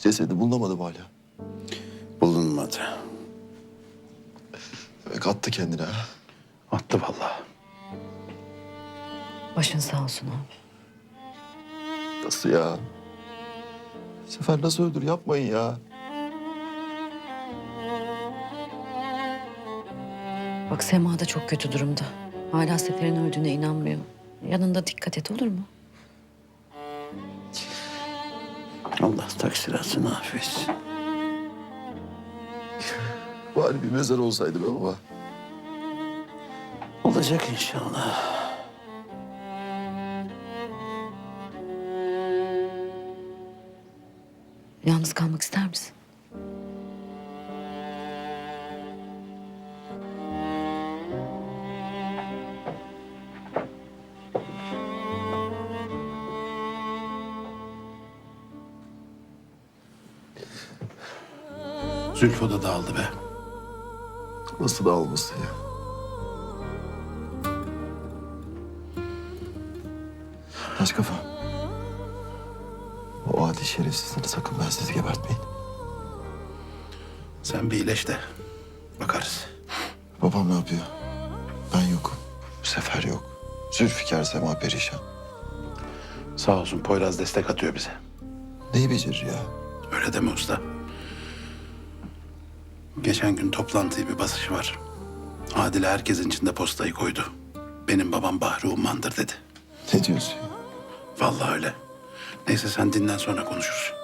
Cesedi bulunamadım hala. Bulunmadı. Demek attı kendine ha. Attı vallahi. Başın sağ olsun abi. Nasıl ya? Sefer nasıl öldür? Yapmayın ya. Bak Sema da çok kötü durumda. Hala Sefer'in öldüğüne inanmıyor. Yanında dikkat et, olur mu? Allah taksiratını affetsin. Bari bir mezar olsaydı be baba. Olacak inşallah. Yalnız kalmak ister misin? Zülfü da dağıldı be. Nasıl da almasın ya? Taş kafa. O adi şerefsizleri sakın ben sizi gebertmeyin. Sen bir iyileş de bakarız. Babam ne yapıyor? Ben yokum. Bu sefer yok. Zülfikar, Sema perişan. Sağ olsun Poyraz destek atıyor bize. Neyi becerir ya? Öyle deme usta. Geçen gün toplantıyı bir basışı var. Adile herkesin içinde postayı koydu. Benim babam Bahri Umman'dır dedi. Ne diyorsun ya? Vallahi öyle. Neyse sen dinlen sonra konuşuruz.